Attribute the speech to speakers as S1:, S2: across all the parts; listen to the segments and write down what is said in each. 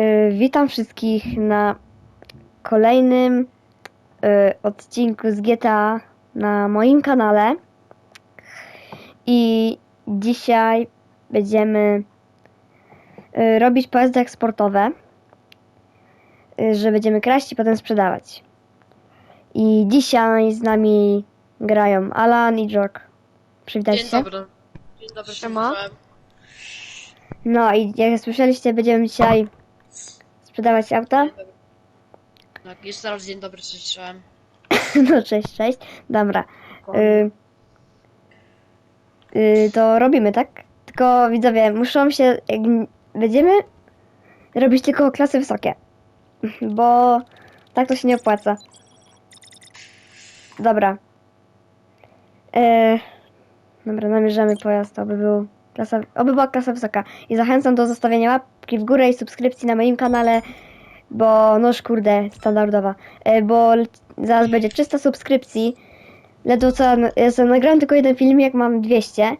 S1: Witam wszystkich na kolejnym odcinku z GTA na moim kanale. I dzisiaj będziemy robić pojazdy eksportowe, że będziemy kraść i potem sprzedawać. I dzisiaj z nami grają Alan i Jok. Przywitajcie się.
S2: Dzień dobry,
S3: Siema.
S1: No i jak słyszeliście, będziemy dzisiaj sprzedawać auta.
S2: Tak, jeszcze raz dzień dobry, słyszałem.
S1: No cześć. Dobra. To robimy, tak? Tylko widzowie, muszą się, jak będziemy robić tylko klasy wysokie, bo tak to się nie opłaca. Dobra. Dobra, namierzamy pojazd, oby była klasa wysoka. I zachęcam do zostawienia łapki w górę i subskrypcji na moim kanale, bo noż kurde, standardowa. Bo zaraz będzie 300 subskrypcji. Ledwo co, ja nagrałem tylko jeden filmik, mam 200.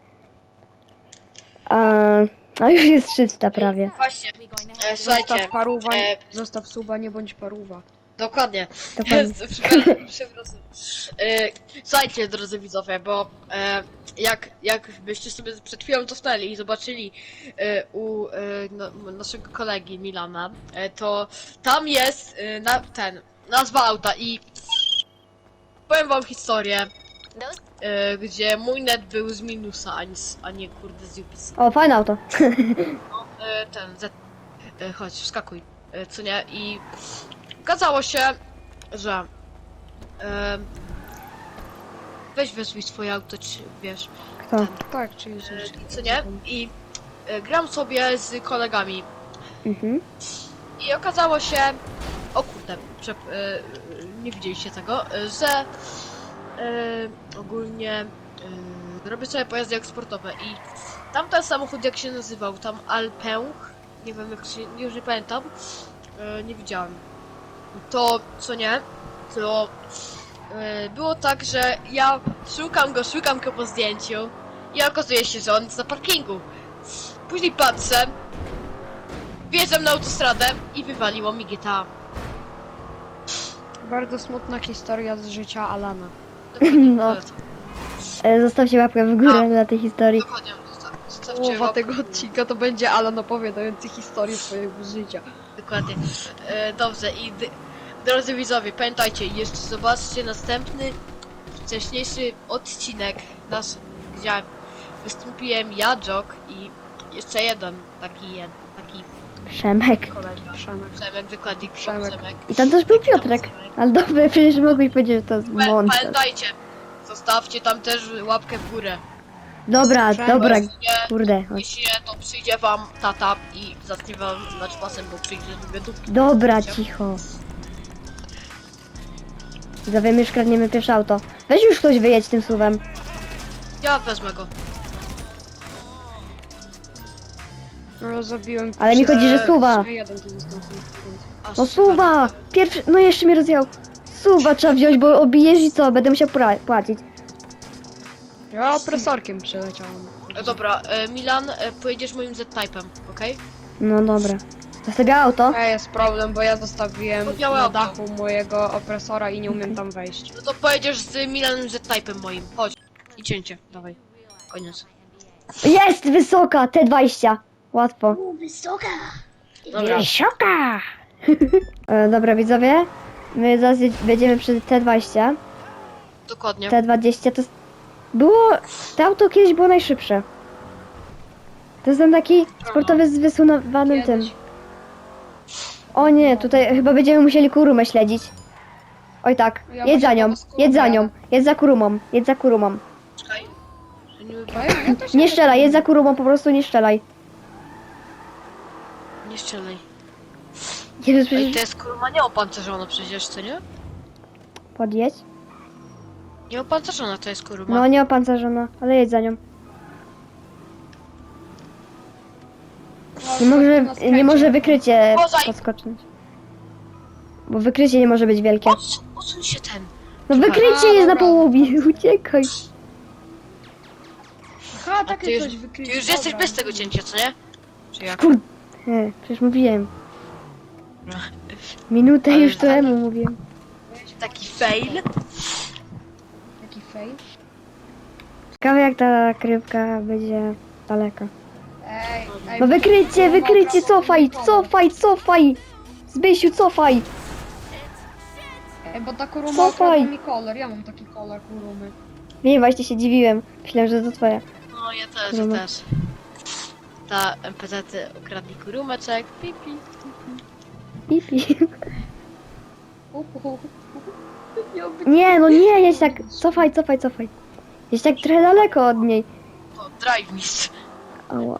S1: A już jest 300 prawie.
S2: Właśnie, słuchajcie,
S3: Zostaw paruwa, zostaw suba, nie bądź paruwa.
S2: dokładnie.
S1: Dokładnie.
S2: Przepraszam. Słuchajcie, drodzy widzowie, bo jakbyście sobie przed chwilą cofnęli i zobaczyli naszego kolegi Milana, to tam jest nazwa auta i powiem wam historię, gdzie mój net był z minusa, a nie kurde z UPC.
S1: O, fajne auto.
S2: Chodź, wskakuj, co nie? I okazało się, że weź wezwij swoje auto, czy wiesz,
S1: Kto?
S3: Tak, czy jest
S2: co nie? I gram sobie z kolegami
S1: Mhm.
S2: i okazało się, o kurde, nie widzieliście tego, że ogólnie robię sobie pojazdy eksportowe i tamten samochód, jak się nazywał, tam Alpęch, nie wiem jak się, już nie pamiętam, nie widziałem. To, co nie, to było tak, że ja szukam go po zdjęciu i okazuje się, że on jest na parkingu. Później patrzę, wjeżdżam na autostradę i wywaliło mi GTA.
S3: bardzo smutna historia z życia Alana.
S1: No. Zostawcie łapkę w górę dla tej historii.
S2: Dokładnie, zostawcie
S3: Połowa
S2: łapkę.
S3: tego odcinka to będzie Alan opowiadający historię swojego życia.
S2: Dokładnie. Dobrze i drodzy widzowie, pamiętajcie, jeszcze zobaczcie następny, wcześniejszy odcinek nasz, gdzie wystąpiłem ja, Jok i jeszcze jeden taki
S1: Przemek.
S2: kolega.
S3: Przemek.
S2: Przemek, wykładnik
S3: Przemek.
S2: Przemek.
S1: I tam też był Piotrek. Ale dobra, przecież mogłeś powiedzieć, że to jest montaż.
S2: Pamiętajcie, zostawcie tam też łapkę w górę.
S1: Dobra,
S3: Przemek.
S1: dobra.
S2: Jeśli nie,
S1: Kurde, chodź.
S2: jeśli nie, to przyjdzie wam tata i zacznie wam znać pasem, bo przyjdzie z wywiadówki.
S1: Dobra, cicho. Widzowie, my już kradniemy pierwsze auto. Weź już ktoś wyjedź tym suwem.
S2: Ja wezmę go.
S3: No, zabiłem...
S1: Ale mi chodzi, że suwa.
S3: Jeden tu został.
S2: A,
S1: No
S2: super.
S1: suwa! Pierwszy, no jeszcze mnie rozjechał. Suwa trzeba wziąć, bo obijesz i co? Będę musiał płacić.
S3: Ja opresorkiem przeleciałem.
S2: Dobra, Milan, pojedziesz moim Z-Type'em, okej?
S1: No dobra. Zostawię auto.
S3: Jest problem, bo ja zostawiłem
S2: To białe
S3: na
S2: auto.
S3: dachu mojego opresora i nie umiem tam wejść.
S2: No to pojedziesz z Milanem Z-Type'em moim. Chodź. I cięcie, dawaj. Koniec.
S1: Jest wysoka! T20. Łatwo.
S2: Dobra.
S1: Wysoka! Dobra, widzowie. My zaraz będziemy przy T20.
S2: Dokładnie.
S1: T20 to jest... To auto kiedyś było najszybsze. To jest ten taki sportowy z wysuwanym tym.
S3: Kiedyś.
S1: O nie, tutaj chyba będziemy musieli kurumę śledzić. Oj tak,
S3: Ja
S1: jedź za
S3: właśnie
S1: nią,
S3: po prostu
S1: jedź za
S3: jadę.
S1: nią, jedź za kurumą, jedź za kurumą.
S2: Czekaj.
S3: Ja też
S1: Nie strzelaj, jedź za kurumą, po prostu nie strzelaj.
S2: Nie strzelaj.
S1: Jezus,
S2: Ej,
S1: przecież...
S2: to jest kurwa nieopancerzona przecież, co nie?
S1: Podjedź.
S2: Nieopancerzona to jest kurwa.
S1: No nie opancerzona, ale jedź za nią. Nie może wykrycie
S2: Uważaj.
S1: podskoczyć. Bo wykrycie nie może być wielkie.
S2: Odsuń się ten.
S1: No
S2: Czekaj.
S1: wykrycie jest na
S3: dobra.
S1: połowie, uciekaj.
S3: Aha,
S2: A
S3: takie
S2: ty już,
S3: coś wykryć.
S2: ty już jesteś bez tego cięcia, co nie? Czy jak?
S1: Kurde, przecież mówiłem. Minutę
S2: Ale
S1: już
S2: dalej.
S1: temu mówiłem.
S2: Taki fail.
S3: Jaki fail.
S1: Ciekawe jak ta krywka będzie daleko.
S3: Ej,
S1: No wykryjcie,
S3: bo ma
S1: wykryjcie,
S3: prawo
S1: cofaj,
S3: kolor.
S1: cofaj, cofaj! Zbysiu, cofaj!
S3: Ej, bo ta kuruma
S1: Cofaj.
S3: okradła mi kolor, ja mam taki kolor kurumy.
S1: Nie, właśnie się dziwiłem. Myślałem, że to twoja.
S2: No ja też,
S1: Kuruma.
S2: ja też. Ta NPC ukradli kurumeczek. Pipi.
S1: Pipi.
S3: Miał być...
S1: Nie, no nie, jedź tak. Cofaj, cofaj, cofaj. Jedź tak trochę daleko od niej.
S2: O, drive mistrz.
S1: Ała.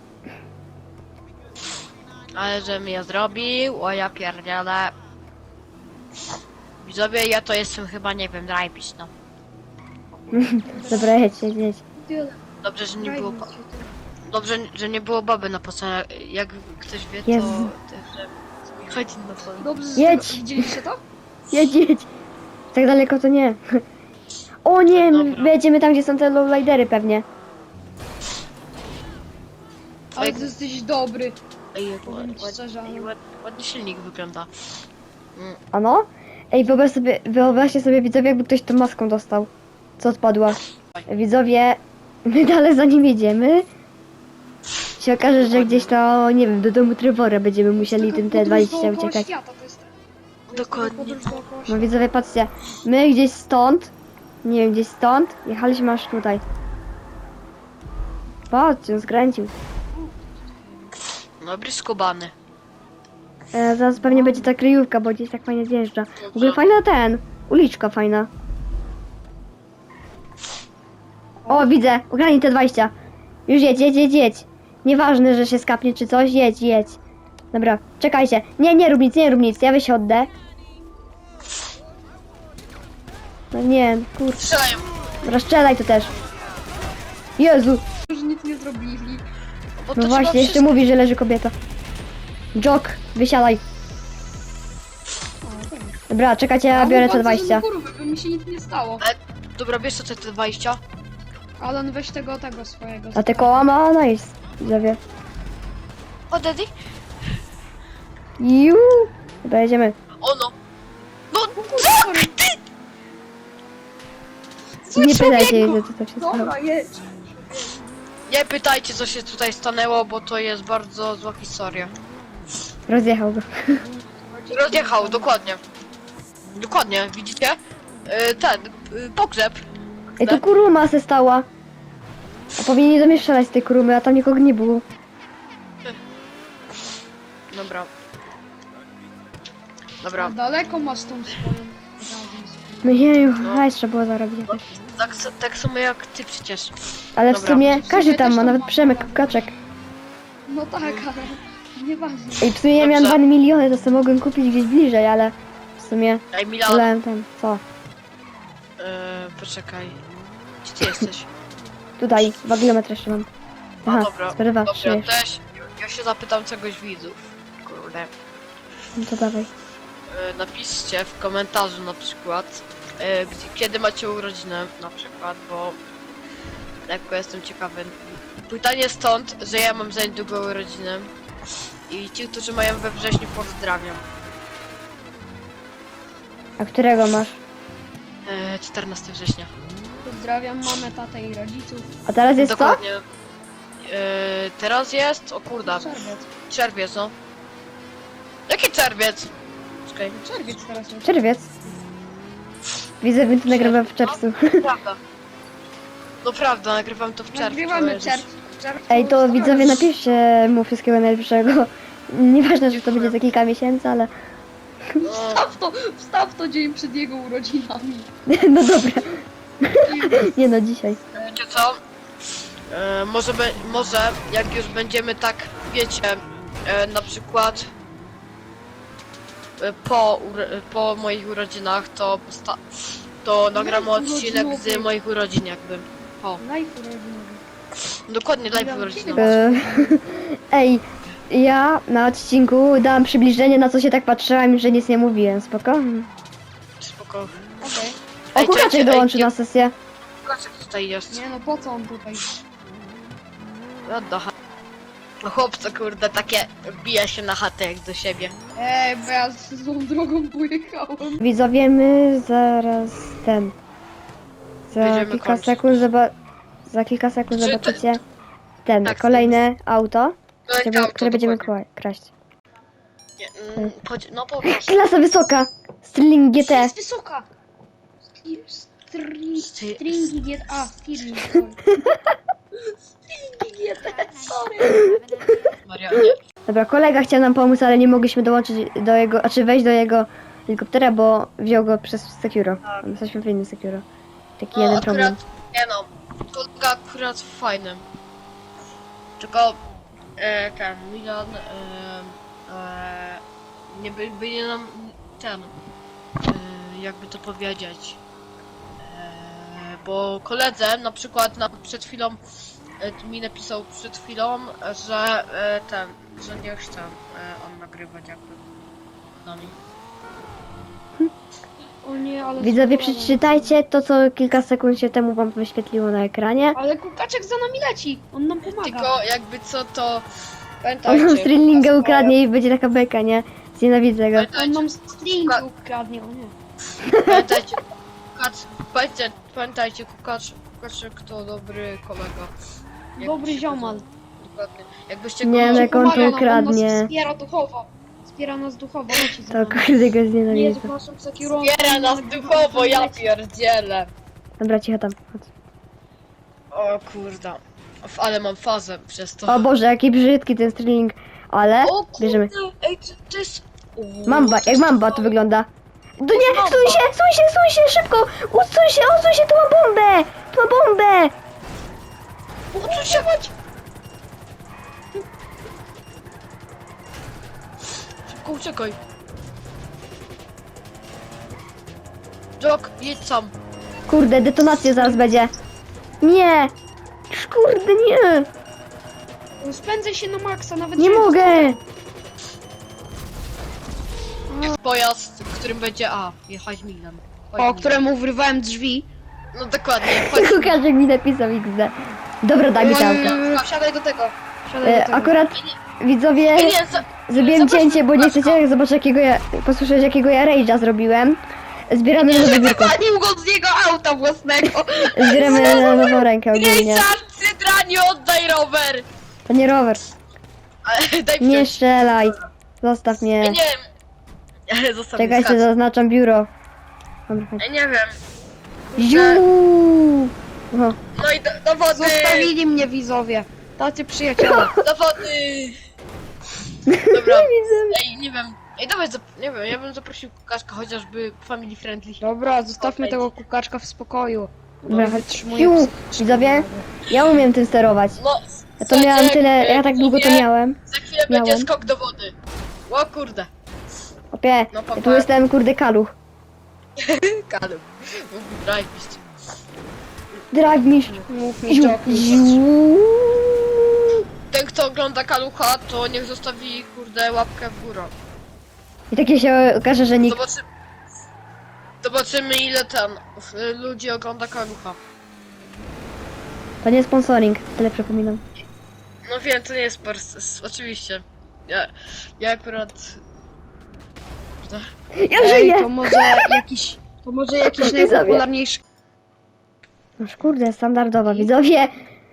S2: Ale że mi ja zrobił, o ja pierdzielę. Widzowie, ja to jestem chyba, nie wiem, drive mistrz, no.
S1: Dobra, jedź, jedź, jedź.
S2: Dobrze, że nie było... Dobrze, że nie było baby na posłaniu. Jak ktoś wie, to...
S1: Jezu.
S2: Że chodzi na to.
S3: Dobrze,
S1: Jedź.
S3: widzieliście to?
S1: Jedź, jedź. Tak daleko to nie. O nie, my
S2: Dobra.
S1: będziemy tam, gdzie są te lowridery pewnie.
S3: Ale ty jesteś dobry.
S2: Ej, jak
S3: Powiem ci szczerze, ale-
S2: ładnie silnik wygląda.
S1: Ano? Ej, wyobraźcie sobie widzowie, jakby ktoś tą maską dostał. Co odpadła. Widzowie, my dalej za nim jedziemy. Się okaże, że gdzieś to, nie wiem, do domu Trevora będziemy musieli tym T20 uciekać.
S3: Świata, to jest
S2: Dokładnie.
S3: podróż dookoła
S1: No
S3: świata.
S1: widzowie, patrzcie, my gdzieś stąd, nie wiem, gdzieś stąd, jechaliśmy aż tutaj. Patrzcie, on skręcił.
S2: Dobry skubany.
S1: Zaraz pewnie będzie ta kryjówka, bo gdzieś tak fajnie zjeżdża. W ogóle fajna uliczka fajna. O, widzę, ugrani T20. Już jedź, jedź, jedź, jedź. Nieważne, że się skapnie czy coś, jedź, jedź. Dobra, czekajcie. Nie, nie rób nic, nie rób nic, ja wysiądę. No nie, kurczę.
S2: Strzelają.
S1: Dobra, strzelaj to też. Jezu,
S3: Już nic nie zrobili.
S2: Bo to
S1: no
S2: trzeba
S1: właśnie, jeszcze
S2: wszystko-
S1: mówi, że leży kobieta. Jok, wysiadaj.
S3: O, tak.
S1: Dobra, czekajcie, ja biorę T20.
S3: By mi się nic nie stało.
S2: Dobra, wiesz co to te 20?
S3: Alan, weź tego swojego.
S1: A te koła ma nice, widzowie.
S2: O, daddy?
S1: Juuu. Dobra, jedziemy.
S2: Ono. No,
S3: Sorry.
S2: Zły
S1: Nie pytajcie jej,
S2: człowieku.
S1: że to się stało.
S3: Dobra, jedź.
S2: Nie pytajcie, co się tutaj stanęło, bo to jest bardzo zła historia.
S1: Rozjechał go.
S2: Rozjechał, dokładnie. Dokładnie, widzicie? Pogrzeb.
S1: Ej, to kuruma se stała. A powinni do mnie strzelać z tej kurumy, a tam nikogo nie było.
S2: Dobra. Dobra,
S3: Daleko masz tą swoją razem.
S1: No jeju,
S2: No.
S1: hajs trzeba było zarobić jakoś.
S2: tak samo jak ty przecież.
S1: Ale w
S2: Dobra.
S1: sumie każdy
S3: też
S1: tam ma,
S3: tam
S1: nawet
S3: mam.
S1: Przemek Kaczek.
S3: No tak, ale nieważne.
S1: Ej, w sumie ja miałem
S2: Dobrze.
S1: 2 miliony, to sobie mogłem kupić gdzieś bliżej, ale w sumie
S2: Ej, Milan,
S1: wolałem ten, co?
S2: poczekaj. Gdzie ty jesteś?
S1: Tutaj, 2 kilometry jeszcze mam. Aha,
S2: dobra,
S1: sprawa,
S2: Dobra,
S1: przyjesz.
S2: też. Ja się zapytam czegoś widzów. Kurde.
S1: No to dawaj.
S2: Napiszcie w komentarzu na przykład, kiedy macie urodziny na przykład, bo lekko jestem ciekawy. Pytanie stąd, że ja mam za niedługo urodziny i ci, którzy mają we wrześniu, pozdrawiam.
S1: A którego masz?
S2: 14 września.
S3: Pozdrawiam mamę, tatę i rodziców.
S1: A teraz jest co?
S2: Dokładnie. Teraz jest, o kurda,
S3: Czerwiec.
S2: czerwiec, no. Jaki czerwiec? Czekaj,
S3: Czerwiec teraz jest.
S1: Czerwiec. Widzę, że to nagrywam w czerwcu.
S2: prawda. No prawda, nagrywam to w czerwcu.
S3: Nagrywamy
S2: Jezus.
S3: czerwcu.
S1: Ej, to widzowie, napiszcie mu wszystkiego najlepszego. Nieważne, że to będzie za kilka miesięcy, ale...
S2: No,
S3: Wstaw to dzień przed jego urodzinami.
S1: No dobra. Nie no, dzisiaj.
S2: wiecie co? Może jak już będziemy tak, wiecie, na przykład po moich urodzinach, to nagramy odcinek z moich urodzin jakby. O,
S3: Life urodzinowy.
S2: dokładnie live
S3: Dobra,
S2: urodzinowy.
S1: Ej, ja na odcinku dałam przybliżenie, na co się tak patrzyłam, że nic nie mówiłem, spoko?
S2: Spoko.
S3: Okej.
S1: O,
S2: Ej,
S1: Kukaczek
S2: czekajcie,
S1: dołączy
S2: ej,
S1: na sesję.
S2: Kukaczek tutaj jest.
S3: Nie no, po co on tutaj?
S2: Odda. No chłopco, kurde, takie wbija się na chatę jak do siebie.
S3: Ej, bo ja złą drogą pojechałem.
S1: Widzowie, my zaraz Za
S2: Będziemy
S1: kilka
S2: kończyć.
S1: sekund za kilka sekund
S2: Czy to-
S1: zobaczycie
S2: Tak,
S1: kolejne auto,
S2: No i
S1: które,
S2: auto,
S1: które będziemy
S2: dokładnie.
S1: kraść.
S2: Nie, no po prostu.
S1: Klasa wysoka! Sterling GT!
S3: Jest wysoka! Stringi GTA, Stirling.
S2: Maria, nie.
S1: Dobra, kolega chciał nam pomóc, ale nie mogliśmy dołączyć do jego, znaczy wejść do jego helikoptera, bo wziął go przez Securo. Jesteśmy w innym Securo. Taki jeden problem.
S2: akurat, nie no, kolega akurat fajny. Tylko ten Milan nie by nam ten jakby to powiedzieć. Bo koledze na przykład przed chwilą mi napisał przed chwilą, że że nie chce on nagrywać jakby z nami.
S3: O nie, ale...
S1: Widzowie,
S3: super.
S1: przeczytajcie to, co kilka sekund się temu wam wyświetliło na ekranie.
S3: Ale kukaczek za nami leci, on nam pomaga.
S2: Tylko jakby co to
S1: On
S2: pamiętajcie.
S1: nam Sterlinga ukradnie i będzie taka beka, nie? Znienawidzę go.
S3: On nam string ukradnie, o nie.
S2: Pamiętajcie, pamiętajcie, Kukaczek to dobry kolega.
S3: Dobry
S2: się
S3: ziomal.
S2: Dokładnie. Jakbyście
S1: Nie,
S2: go...
S1: no jak on
S3: Pomaga
S1: to
S3: nam,
S1: ukradnie.
S3: On nas wspiera duchowo. Wspiera nas duchowo, leci za
S1: To
S3: nami.
S1: kurde go
S3: Jezu,
S1: znienawidzę.
S3: naszym Sekiro...
S2: Zbiera nas duchowo, ja pierdzielę.
S1: Dobra, cicho tam. Chodź.
S2: O kurde. Ale mam fazę przez to.
S1: O Boże, jaki brzydki ten Sterling. Ale
S2: O kurde,
S1: bierzemy.
S2: ej, to jest...
S1: Mamba, jak mamba to wygląda. To nie, stój się, szybko! Odsuń się, tu ma bombę! Tu ma bombę!
S2: Odsuń się, chodź! Szybko uciekaj. Jock, jedź sam.
S1: Kurde, detonacja zaraz będzie. Nie! Kurde, nie!
S3: Spędzę się na maksa, nawet
S1: Nie mogę!
S2: Jest pojazd, którym będzie jechać Milan. Chodź,
S3: O
S2: Milan.
S3: któremu wyrwałem drzwi.
S2: No dokładnie, chodź.
S1: Kukaczek mi napisał XD. Dobra, daj mi to auto.
S2: Wsiadaj do tego.
S3: Siadaj do tego.
S1: Akurat widzowie,
S2: Ej, nie,
S1: zrobiłem
S2: zobacz,
S1: cięcie, bo nie
S2: Kukaczka.
S1: chcecie zobaczyć posłyszeć jakiego ja rage'a zrobiłem. Zbieramy na nowe biurko.
S3: Wypalił go z jego auta własnego.
S1: Zbieramy na nową rękę ogólnie.
S2: Ryszard, Cydra, nie oddaj rower!
S1: To nie rower.
S2: Ale daj
S1: Nie
S2: wziąć.
S1: strzelaj. Zostaw
S2: Ja
S1: mnie.
S2: nie wiem. Ale zostaw mnie,
S1: Czekajcie,
S2: skacz.
S1: zaznaczam biuro. Dobra, chodź.
S2: Ja nie wiem.
S1: Ziu! Oho.
S2: No i do wody!
S3: Zostawili mnie widzowie. Tacy przyjaciele.
S2: Do wody! Dobra. Ej, nie wiem. Ej, dawaj, nie wiem, ja bym zaprosił Kukaszka chociażby family friendly.
S3: Dobra, zostawmy tego kukaczka w spokoju.
S1: Dobra, chodź.
S3: Wytrzymuje
S1: Ziu!
S3: psychicznie.
S1: Widzowie, ja umiem tym sterować.
S2: No,
S1: Ja to miałam tyle, ja tak długo to miałem.
S2: Za chwilę będzie
S1: miałem.
S2: skok do wody. O kurde.
S1: Opie,
S2: No,
S1: ja tu jestem kurde kaluch.
S2: Kalum. Drive mistrz.
S1: Drive mistrz.
S3: Mów mi
S1: Ziu!
S3: Joki.
S1: Ziu!
S2: Ten kto ogląda Kalucha, to niech zostawi kurde łapkę w górę.
S1: I takie się okaże, że nikt...
S2: Zobaczymy ile tam ludzi ogląda Kalucha.
S1: To nie sponsoring, tyle przypominam.
S2: No wiem, to nie jest oczywiście. Ja akurat...
S1: Ja
S3: Ej,
S1: żyję!
S3: to może jakiś
S1: Widzowie.
S3: najpopularniejszy...
S1: Noż kurde, standardowa, widzowie.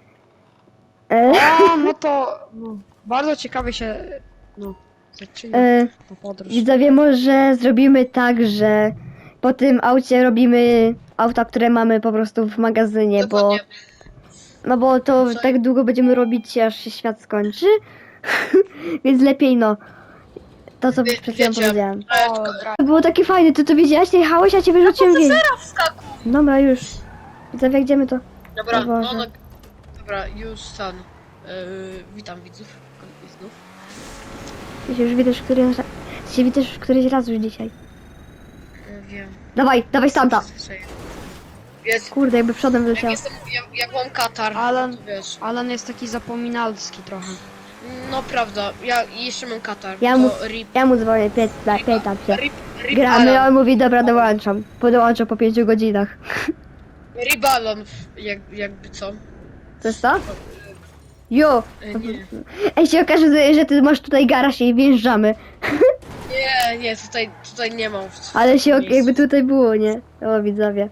S3: A, no to... No, bardzo ciekawie się... No, zaczyna ta podróż.
S1: Widzowie, może zrobimy tak, że po tym aucie robimy auta, które mamy po prostu w magazynie, bo...
S2: Dokładnie.
S1: No bo to tak długo będziemy robić, aż się świat skończy. Więc lepiej no. To co przed chwilą
S2: Wiecie.
S1: powiedziałem.
S3: O, dra-
S1: To było takie fajne, ty to wiedziałaś, nie jechałeś, a cię wyrzuciłem gdzieś.
S2: Wskakuj!
S1: Dobra, już. Widzowie, jak idziemy to...
S2: Dobra,
S1: O Boże.
S2: dobra, już stan. Witam widzów. Znów.
S1: Ty się już widzisz któryś raz już dzisiaj.
S2: Wiem.
S1: Dawaj, dawaj stamta.
S2: Jest,
S1: Kurde, jakby przodem
S2: jak
S1: wyleciał.
S2: jestem, jak mam katar,
S3: Alan-
S2: to wiesz.
S3: Alan jest taki zapominalski trochę.
S2: No prawda, ja jeszcze mam katar.
S1: Ja
S2: to
S1: mu-
S2: rip,
S1: Ja mu dzwonię, pytam się.
S2: rip, rip
S1: Gramy, a
S2: Alan.
S1: on mówi, dobra, dołączam. Podołączę po 5 godzinach.
S2: Rip Alan, jakby co.
S1: To jest to? Jo!
S2: Nie.
S1: Ej, się okaże, że ty masz tutaj garaż i wjeżdżamy.
S2: Nie, tutaj nie mam.
S1: Ale się
S2: miejsca.
S1: jakby tutaj było, nie? O, widzowie.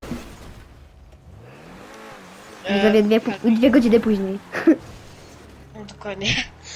S1: Widzowie, dwie godziny później.
S2: No, dokładnie.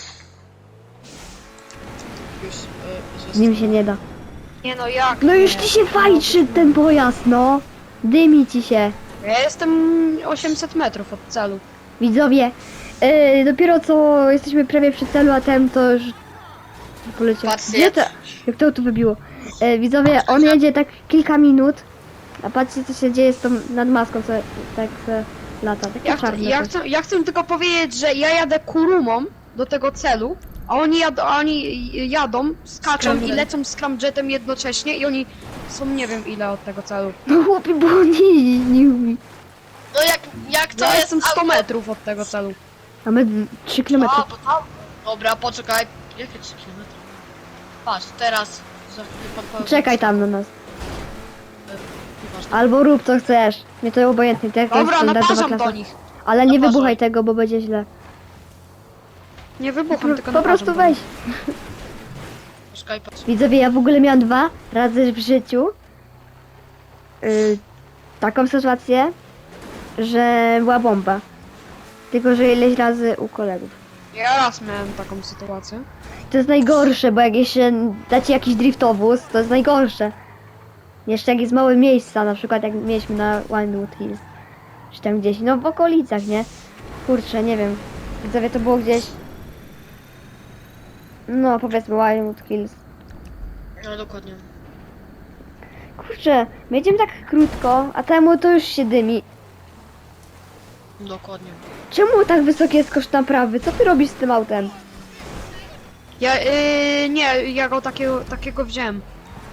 S2: Już,
S1: Z nim się nie da.
S3: Nie no, jak?
S1: No już
S3: nie?
S1: ci się fajczy ten pojazd, no! Dymi ci się.
S3: Ja jestem 800 metrów od celu.
S1: Widzowie, dopiero co jesteśmy prawie przy celu, a ten to już poleciał.
S2: Patrzcie,
S1: Gdzie to? Jak to tu wybiło? Widzowie, on jedzie tak kilka minut, a patrzcie co się dzieje z tą nad maską, co tak lata. Takie
S3: Ja chcę,
S1: czarne
S3: ja,
S1: coś.
S3: chcę, ja chcę tylko powiedzieć, że ja jadę kurumą do tego celu, a oni jadą, skaczą i
S1: Scramjet.
S3: lecą scramjetem jednocześnie i oni są nie wiem ile od tego celu.
S1: No chłopie, bo on nie umie.
S2: No jak to
S3: Ja
S2: jest
S3: jestem 100
S2: auto?
S3: metrów od tego celu.
S1: A my 3 km.
S2: A, bo tam. Dobra, poczekaj. Jakie 3 km? Patrz, teraz. Za chwilę pan powie-
S1: Czekaj tam na nas.
S2: Nieważne.
S1: Albo rób co chcesz. Mnie to obojętnie, to jak to jest
S3: Dobra,
S1: standardowa
S3: naparzam
S1: klasa.
S3: do nich.
S1: Ale nie
S2: Naparzaj.
S1: wybuchaj tego, bo będzie źle.
S3: Nie wybucham, tylko
S1: Po prostu
S3: naparzam do
S1: weź.
S3: nich.
S2: Poczekaj, patrz.
S1: Widzowie, ja w ogóle miałam 2 razy w życiu taką sytuację, że była bomba. Tylko, że ileś razy u kolegów.
S3: Ja raz miałem taką sytuację.
S1: To jest najgorsze, bo jak jeszcze dacie jakiś driftowóz, to jest najgorsze. Jeszcze jak jest małe miejsca, na przykład jak mieliśmy na Wildwood Hills. Czy tam gdzieś, no w okolicach, nie? Kurczę, nie wiem. Widzowie, to było gdzieś... No, powiedzmy Wildwood Hills.
S2: No dokładnie.
S1: Kurczę, my jedziemy tak krótko, a temu to już się dymi.
S2: Dokładnie.
S1: Czemu tak wysoki jest koszt naprawy? Co ty robisz z tym autem?
S3: Ja, nie, ja go takiego wziąłem.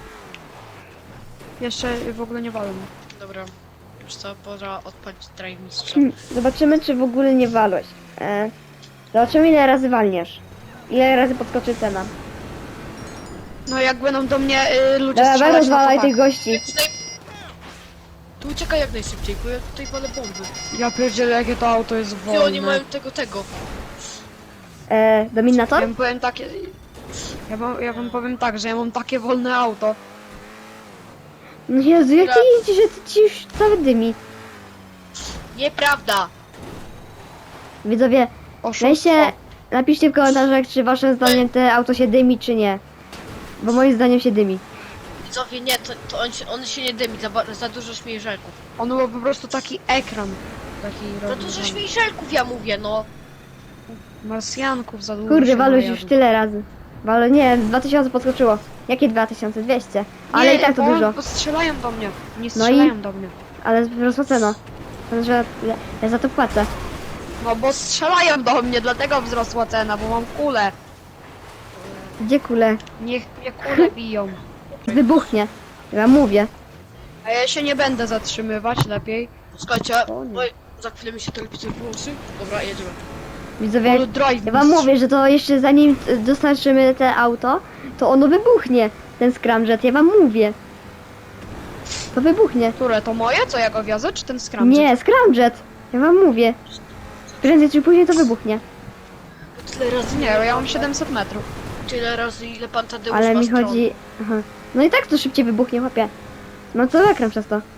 S3: Jeszcze w ogóle nie walę.
S2: Dobra. Już co, pora odpalić drive mistrza.
S1: Zobaczymy, czy w ogóle nie walłeś. Zobaczymy, ile razy walniesz. Ile razy podskoczy cena.
S3: No jak będą do mnie ludzie
S1: Dobra,
S3: strzelać, no
S1: rozwalaj
S3: to
S1: tych
S3: tak.
S1: gości.
S2: Tu uciekaj jak najszybciej, bo ja tutaj walę bomby.
S3: Ja pierdzielę, jakie to auto jest
S2: I
S3: wolne.
S2: oni mają tego.
S1: Dominator?
S3: Ja wam powiem takie... Ja wam powiem tak, że ja mam takie wolne auto.
S1: No Jezu, jak ty
S2: Dobra.
S1: jeździsz, że ty ci już cały dymi.
S2: Nieprawda!
S1: Widzowie,
S3: Oszustwo.
S1: weźcie, napiszcie w komentarzach, czy waszym zdaniem te auto się dymi, czy nie. Bo moim zdaniem się dymi.
S2: Widzowie, nie, to on się nie dymi, za dużo śmiejżelków.
S3: On ma po prostu taki ekran. Taki
S2: Za
S3: robi,
S2: dużo
S3: że
S2: śmiejżelków, ja mówię, no.
S3: Marsjanków za dużo
S1: Kurde,
S3: się
S1: walłeś
S3: najadł.
S1: już tyle razy. Ale nie, z 2000 podskoczyło. Jakie 2200? Ale
S3: Nie,
S1: i tak to
S3: bo
S1: dużo.
S3: Bo strzelają do mnie. Nie
S1: No i?
S3: strzelają do mnie.
S1: Ale wzrosła cena. Że ja za to płacę.
S3: No bo strzelają do mnie, dlatego wzrosła cena, bo mam kulę.
S1: Gdzie kule?
S3: Niech mnie kule biją.
S1: Wybuchnie. Ja mówię.
S3: A ja się nie będę zatrzymywać, lepiej.
S2: Słuchajcie,
S3: O nie.
S2: oj, za chwilę mi się telewizor wyłączy. Dobra, jedziemy.
S1: Widzowie,
S3: All drive
S1: ja wam
S3: mistrz.
S1: mówię, że to jeszcze zanim dostarczymy te auto, to ono wybuchnie. Ten scramjet, ja wam mówię. To wybuchnie.
S3: Które, to moje, co ja go wiozę, czy ten scramjet?
S1: Nie, scramjet. Ja wam mówię. Prędzej czy później to wybuchnie.
S2: Tyle razy
S3: Nie, ja mam 700 metrów.
S2: Tyle razy, ile pan Tadeusz
S1: Ale
S2: ma
S1: mi
S2: stron.
S1: chodzi... Aha. No i tak to szybciej wybuchnie, chłopie. No co ekran przez to.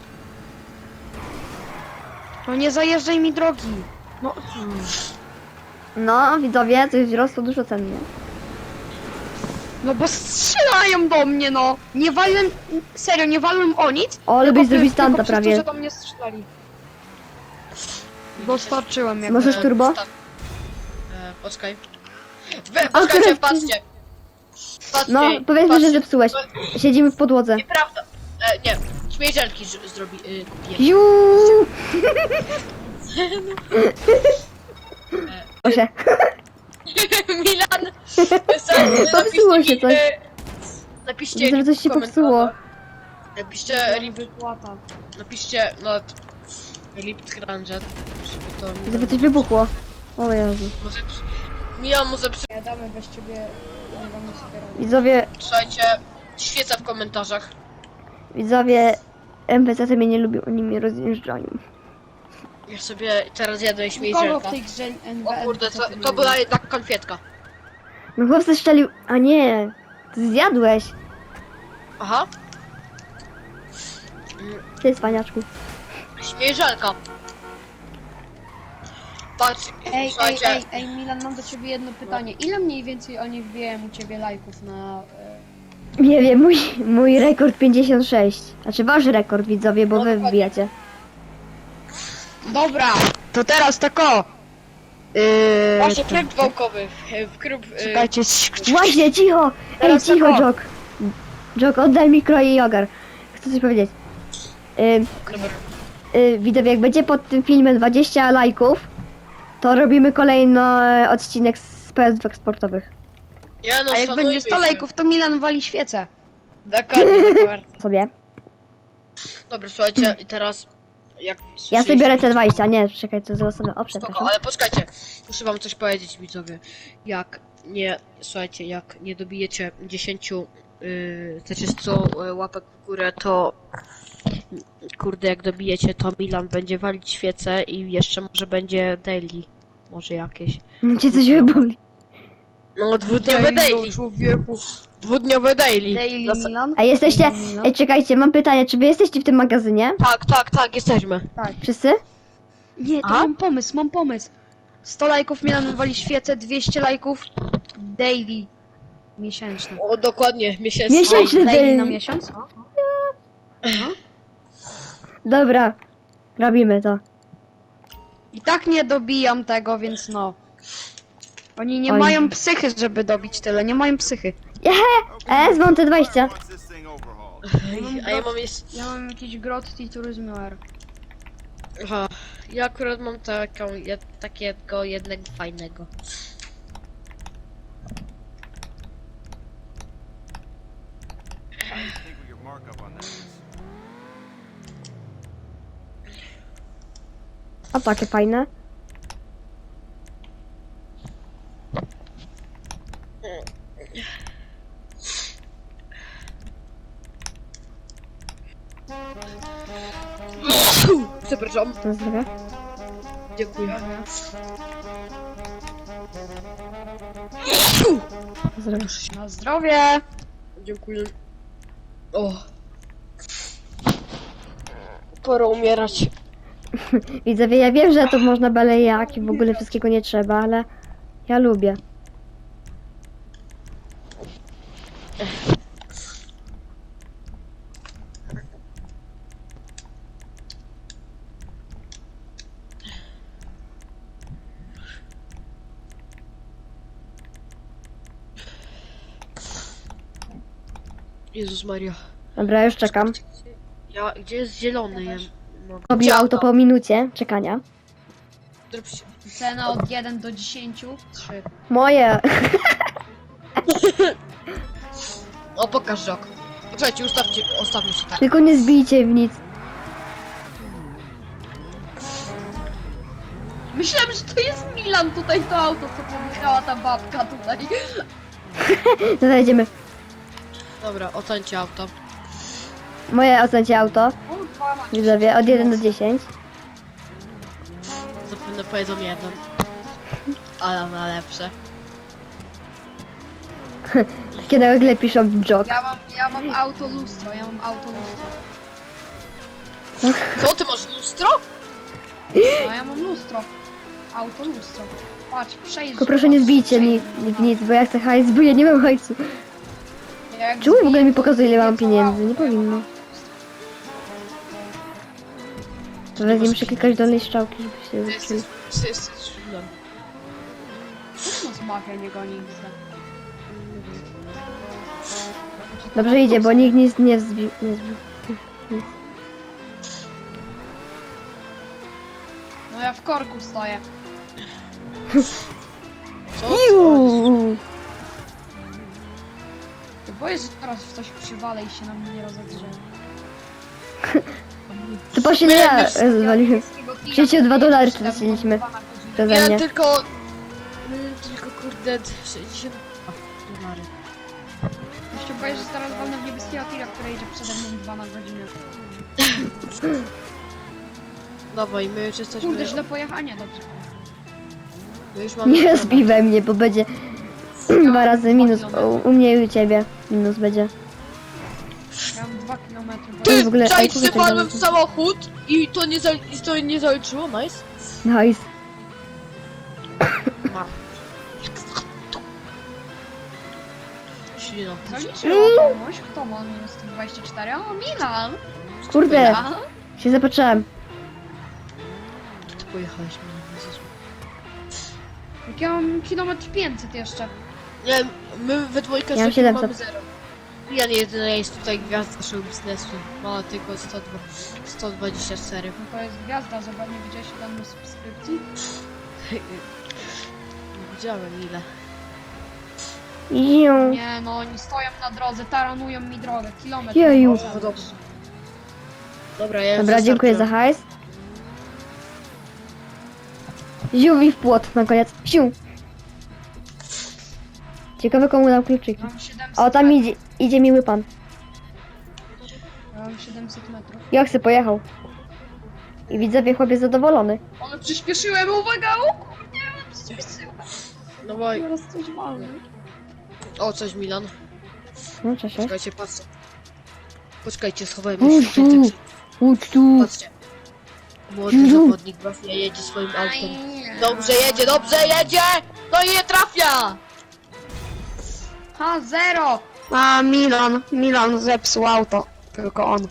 S3: No nie zajeżdżaj mi drogi. No,
S1: No, widzowie, coś wzrosło dużo cen, nie?
S3: no bo strzelają do mnie, no. Nie walłem, serio, nie walłem o nic.
S1: O, ale
S3: tylko
S1: byś zrobić
S3: tylko
S1: stanta
S3: przez to,
S1: prawie.
S3: że do mnie strzelali. Dostarczyłem jak...
S1: Możesz turbo?
S2: Poczekaj.
S1: Akurat-
S2: Poczekajcie, patrzcie. Patrzcie,
S1: No, powiedzmy, że
S2: patrzcie.
S1: zepsułeś. Siedzimy w podłodze.
S2: Nieprawda. Nie, śmierzelki kupiłem.
S1: Juuu! Proszę.
S2: Milan!
S1: Popsuło się coś.
S2: Napiszcie
S1: Widzę, że coś się
S2: w
S1: popsuło.
S2: komentarzach. Napiszcie,
S3: wypłata.
S2: napiszcie, Lip Scramjet, żeby to...
S1: Żeby coś wybuchło. O Jezu.
S2: Może... Milan może
S3: Jadamy bez ciebie, nie mamy sobie rady.
S1: Widzowie,
S2: Słuchajcie, świeca w komentarzach.
S1: widzowie, NPC mnie nie lubią, oni mnie rozjeżdżają.
S2: Ja sobie teraz jadę
S3: Kogo w
S2: śmierzelka.
S3: tej grze NWN?
S2: O kurde, to była jednak konfietka.
S1: No chłopcy strzelił... A nie, ty zjadłeś.
S2: Aha,
S1: Ty, cwaniaczku.
S2: śmierzelka. Patrz,
S3: Ej,
S2: słuchajcie,
S3: Milan, mam do ciebie jedno pytanie. Ile mniej więcej oni wbijają u ciebie lajków na...
S1: Nie wiem, mój rekord 56. Znaczy wasz rekord, widzowie, bo wy wbijacie.
S3: Dobra, to teraz tak o!
S2: właśnie tryb wałkowy, w klub...
S3: Czekajcie,
S1: Właśnie, cicho! Ej,
S3: Teraz
S1: cicho,
S3: tak o.
S1: Jok. Jok, oddaj mikro i ogar. Chcę coś powiedzieć. Widzowie, jak będzie pod tym filmem 20 lajków, to robimy kolejny odcinek z PS2 eksportowych.
S2: Ja no,
S3: A jak będzie 100 lajków, to Milan wali świecę.
S2: Dokładnie, dokładnie.
S1: Sobie.
S2: Dobra, słuchajcie, i teraz... Jak
S1: Ja sobie biorę te 20, nie, czekaj, to złe sobie. O,
S2: Spoko,
S1: przepraszam.
S2: ale poczekajcie, muszę wam coś powiedzieć, widzowie. Jak nie, słuchajcie, jak nie dobijecie 10, znaczy 100 łapek w górę, to kurde, jak dobijecie, to Milan będzie walić świecę i jeszcze może będzie daily, może jakieś.
S1: Cię coś wyboli.
S2: No, dwudniowe daily,
S3: Człowieku.
S2: dwudniowe daily.
S3: Daily Milan?
S1: A jesteście...
S3: Milan?
S1: Ej, czekajcie, mam pytanie, czy wy jesteście w tym magazynie?
S2: Tak, jesteśmy.
S1: Wszyscy?
S3: Nie, to
S2: A?
S3: mam pomysł. 100 lajków Milan wali świecę, 200 lajków daily miesięczne.
S2: O, dokładnie, miesięczny.
S1: Miesięczny
S3: Daily na
S1: daily.
S3: miesiąc?
S1: Dobra, robimy to.
S3: I tak nie dobijam tego, więc no. Oni nie
S1: Oj.
S3: mają psychy, żeby dobić tyle, nie mają psychy.
S1: Mam te 20.
S4: Once this thing overhauled.
S2: A ja mam jeszcze...
S3: Ja mam jakiś Grotti Turismo R.
S2: Aha, ja akurat mam takiego jednego fajnego.
S4: I think we could mark up on that.
S1: A takie fajne.
S2: Przepraszam.
S1: To zdrowie.
S2: Dziękuję.
S1: Zdrowie.
S3: Na zdrowie!
S2: Dziękuję. O. Pora umierać.
S1: Widzowie, ja wiem, że to można belejaki, w ogóle wszystkiego nie trzeba, ale ja lubię.
S2: Jezus Maria.
S1: Dobra, już czekam.
S2: Gdzie jest zielony? Ja, no,
S1: Robię
S2: gdzie
S1: auto po minucie czekania.
S2: Zrób się-
S3: Cena od 1 do 10. 3.
S1: Moje.
S2: O, pokaż rok. Poczekajcie, ustawmy się tak.
S1: Tylko nie zbijcie w nic.
S3: Myślałem, że to jest Milan tutaj, to auto, co pomyślała ta babka tutaj.
S1: To zajdziemy.
S2: Dobra, ocencie auto.
S1: Moje ocencie auto.
S3: Kurwa, ma-
S1: Widzowie, od 1 do 10.
S2: Zapewne powiedzą jeden. Ale na lepsze.
S1: Takie nagle piszą jog.
S3: Ja mam auto lustro.
S2: Co, ty masz lustro?
S3: No ja mam lustro. Auto lustro. Patrz, przejdź.
S1: Tylko proszę nie zbijcie mi w nic, bo ja chcę hajs, bo ja nie mam hajsu.
S3: Jak
S1: Czemu w ogóle mi
S3: zbiję, to
S1: pokazuje, ile mam
S3: zbiję
S1: pieniędzy?
S3: całe
S1: Nie
S3: auto.
S1: powinno. To wezmę muszę klikać dolnej strzałki, żeby się
S2: Ty
S1: zaczęli.
S2: jesteś szulem.
S3: Czemu z mafia nie goni nic?
S1: Dobrze idzie, bo nikt nic nie zbił. Nie zbił.
S3: No ja w korku stoję.
S2: Co?
S1: Iu!
S3: Boję, że teraz w coś przywalę i się na mnie nie rozegrze.
S1: To właśnie nie ja zwaliłem. Przecież $2 straciliśmy. Przeze
S2: Ja
S1: mnie.
S2: tylko kurde 60 dolary.
S3: Jeszcze boję, że teraz walnę w niebieskiego tira, który idzie przede mną 2 na godzinę.
S2: Dawaj, my już jesteśmy...
S3: Kurde, źle pojechanie, dobrze.
S2: My już mamy...
S1: Nie zbij we mnie, bo będzie 2 razy minus. U mnie i u ciebie minus będzie.
S3: Ja mam 2 km.
S2: Ty,
S1: w ogóle-
S2: czaić,
S1: kurde,
S2: że padłem
S1: ten-
S2: w samochód i to nie zaliczyło, nice.
S1: Nice.
S2: Ma. Silno.
S3: Zaliczyło komuś, kto ma minus 124? O, Milan!
S1: Kurde,
S3: Ja?
S1: się zapatrzyłem.
S2: Ty pojechałeś mnie. Jezus.
S3: Jak ja mam kilometr 500 jeszcze.
S2: Nie, my we dwójkę
S1: Ja mam
S2: z takim
S1: 700.
S2: mamy 0. Ja nie jedyna jest tutaj gwiazda naszego biznesu. Ma tylko 124.
S3: No to jest gwiazda, zobacz, nie widziałeś ile mamy subskrypcji?
S2: Nie widziałem ile.
S1: Iu.
S3: Nie no, oni stoją na drodze, taranują mi drogę, kilometr.
S1: Jeju.
S3: nie ma.
S2: Dobra, ja
S1: Dobra, dziękuję za hajs. Ziu mi w płot na koniec. Ziu. Ciekawe komu dam kluczyki.
S3: Mam 700
S1: O, tam
S3: metrów.
S1: idzie miły pan.
S3: Ja mam 700 metrów.
S1: Joksy pojechał. I widzowie chłopiec zadowolony.
S3: Ale przyspieszyłem, uwaga! O kurde, przyspieszyłem.
S2: Dawaj.
S3: Teraz coś mamy.
S2: O, coś Milan.
S1: No cześć.
S2: Czekajcie, patrzcie. Poczekajcie, schowajmy
S1: Chodź
S2: się.
S1: tu. Chodź tu.
S2: Patrzcie. Młody zawodnik właśnie jedzie swoim autem. Dobrze jedzie! No i nie trafia!
S3: Ha, 0! A, Milan zepsuł auto. Tylko on.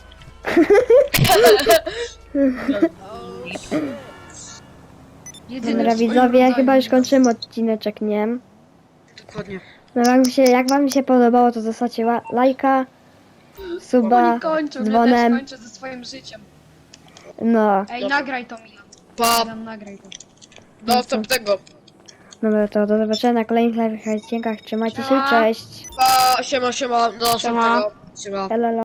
S3: Jedyny
S1: Dobra
S3: w swoim
S1: widzowie,
S3: rodzaju.
S1: chyba już kończymy odcineczek, nie?
S2: Dokładnie.
S1: No jak wam się podobało, to zostawcie lajka, suba,
S3: Oni kończą, ja też
S1: dzwonem.
S3: kończę ze swoim życiem.
S1: No,
S3: Ej, nagraj to, Milan.
S2: Pa,
S3: Milan, nagraj to.
S2: do następnego.
S1: dobra, to do zobaczenia na kolejnych live odcinkach. Trzymajcie się,
S3: Siema.
S1: cześć.
S2: Pa, siema, do następnego. Siema.
S1: Elo.